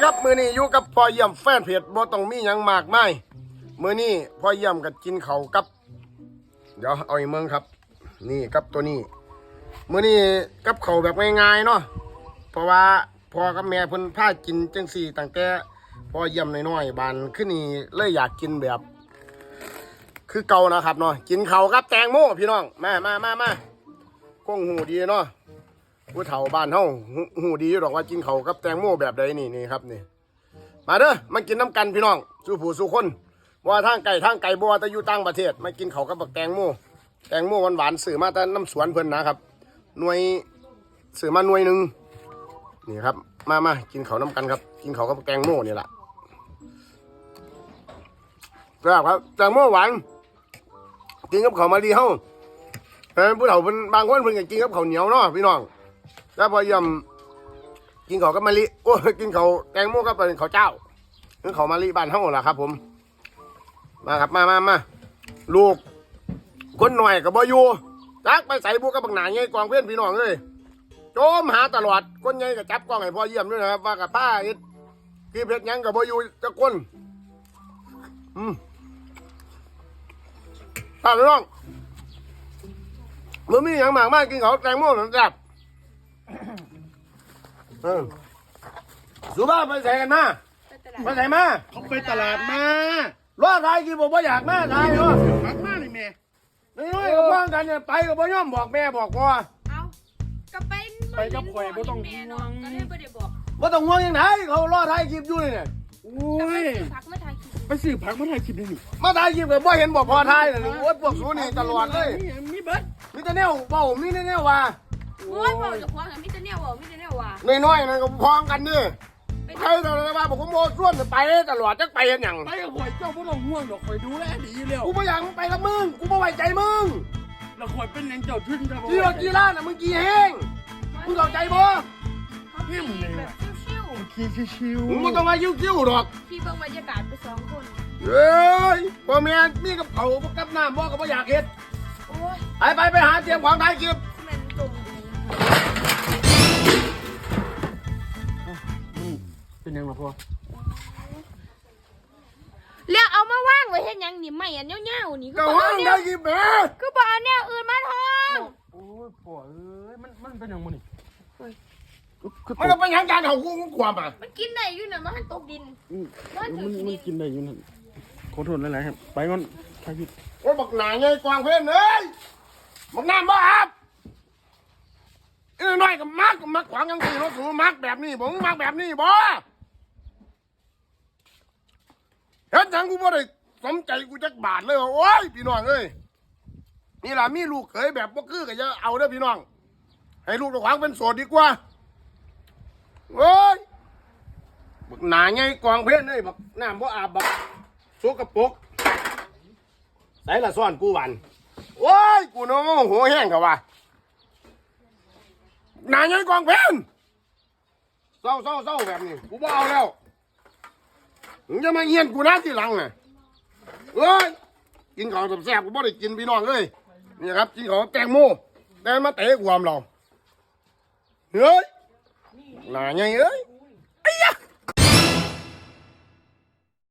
ครับมือนี้อยู่กับพ่อเยี่ยมแฟนเพจบ่ต้องมีหยังมากมายมือนี้พ่อเยี่ยมกับกินเขากับเดี๋ยวเอาอีกเมืองครับนี่กับตัวนี้มือนี้กับเขาแบบง่ายๆเนาะเพราะว่าพ่อกับแม่เพิ่นพากินจังสี่ตั้งแต่พ่อเยี่ยมน้อยๆบานขึ้นนี่เลยอยากกินแบบคือเก่านะครับเนาะกินเขากับแตงโมพี่น้องมาคงหูดีเนาะผู้เฒ่าบ้านเฮาหูดีอยู่ดอกว่ากินเขากับแตงโมแบบใดนี่ครับนี่มาเด้อมากินน้ำกันพี่น้องสู้ผู้สู้คนว่าทางไก่บัวแต่อยู่ต่างประเทศมากินเขากับแตงโมหวานๆสื่อมาแต่น้ำสวนเพิ่นนะครับหน่วยสื่อมาหน่วยหนึ่งนี่ครับมากินเขาน้ำกันครับกินเขากับแตงโมนี่แหละครับแตงโมหวานกินกับเขามาดีเฮาผู้เฒ่าเป็นบางคนเพิ่นก็กินกับข้าวเหนียวเนาะพี่น้องแล้วพอยำกินเขากับมะลิโอ้กินเขาแตงโมกับเป็นข้าวเจ้าคือเขามะลิบ้านเฮาล่ะครับผมมาครับมาลูกคนหน่อยกับบ่อยู่จักไปใส่บุกกับบักหนาไงกองเพื่อนพี่น้องเลยโจมหาตลอดคนใหญ่กับจับกล้องให้พ่อเยี่ยมด้วยนะครับว่ากับป้าที่เพชรยังกับบ่อยู่จะก้นป้าพี่น้องมือมีอย่างมากมากกินเขาแตงโมหนังจับสุภาพไปใส่กันมาไปใส่มาเขาไปตลาดมารอดไทยกินผมว่าอยากมาไทยเนาะหักมาเลยแม่น้อยๆกับพ่อกันเนี่ยไปกับพ่อย่อมบอกแม่บอกพ่อเอาก็ไปกับข่อยบ่ต้องห่วงก็เลยไม่ได้บอกว่าต้องห่วงยังไงเขารอดไทยกินอยู่เนี่ยโอ้ยไปซื้อผักมาถ่ายคลิปได้นี่มาไทยกินกับพ่อเห็นบอกพ่อไทยเลยโอ้ยพวกสูนี่ตลอดเลยมีเบิดมีแต่แนวเบามีแต่แนวว่าโอ้ยบอกจะพ้องกันมิจะเนี่ยบอกมิจะเนี่ยว่าน้อยๆนะก็พ้องกันนี่ใครตลอดว่าบอกผมโม่ส่วนไปตลอดจะไปกันอย่างไปกับข่อยเจ้าไม่ต้องห่วงหรอกข่อยดูแลดีแล้วกูไม่อยากไปกับมึงกูไม่ไว้ใจมึงแล้วข่อยเป็นยังเจ้าทึ่งจะกี่รถกี่ล้านน่ะมึงกี่แห้งมึงเข้าใจบ่พี่มึงแบบชิวๆขี่ชิวมึงไม่ต้องมายิ้วๆหรอกพี่เบิ่งบรรยากาศไปสองคนเฮ้ยพ่อแม่มีกับเขากับน้ำบ่ก็ไม่อยากเห็นโอ้ยไปหาเตรียมของถ่ายคลิปมันจมเป็นยังไงพ่อเรียกเอามาว่างไว้เห็นยังนี่ไม่อันเงี้ยวๆนี่ก็ว่างได้กี่แม่ก็บอกอันเนี้ยอื่นมาทองโอ้ยพ่อเอ้ยมันเป็นยังไงนี่มันก็เป็นยังการเขากูความอ่ะมันกินได้อยู่น่ะมันตกดินมันกินได้อยู่นั่นขอโทษหลายๆครับไปก่อนใครผิดโอ้บักหนาไงกวางเพื่อนเอ้ยบักน้ำบ่อาบน้อยกับมักขวางยังสี่รถสูมักแบบนี้ผมมักแบบนี้บ่เห็นจังกูบ่ได้สมใจกูจักบาทเลยโอ้ยพี่น้องเอ้ยนี่ล่ะมีลูกเขยแบบบ่คือก็จะเอาเด้อพี่น้องให้ลูกตะขวางเป็นโสดดีกว่าโอ้ยบักหนาไงกองเพื่อนเอ้ยบักน้ำบ่อาบบักโซกระปกใส่ละซ่อนกูวันโอ้ยกูน้องหัวแห้งกับว่าหนาไงกองเพื่อนเศร้าแบบนี้กูบ่เอาแล้วมึงจะมาเงียนกูนะที่หลังน่ะเอ้ยกินของแซ่บกูบ่ได้กินพี่น้องเลยนี่ครับกินของแตงโมแต่มาเตะความเราเฮ้ยหนาไงเอ้ย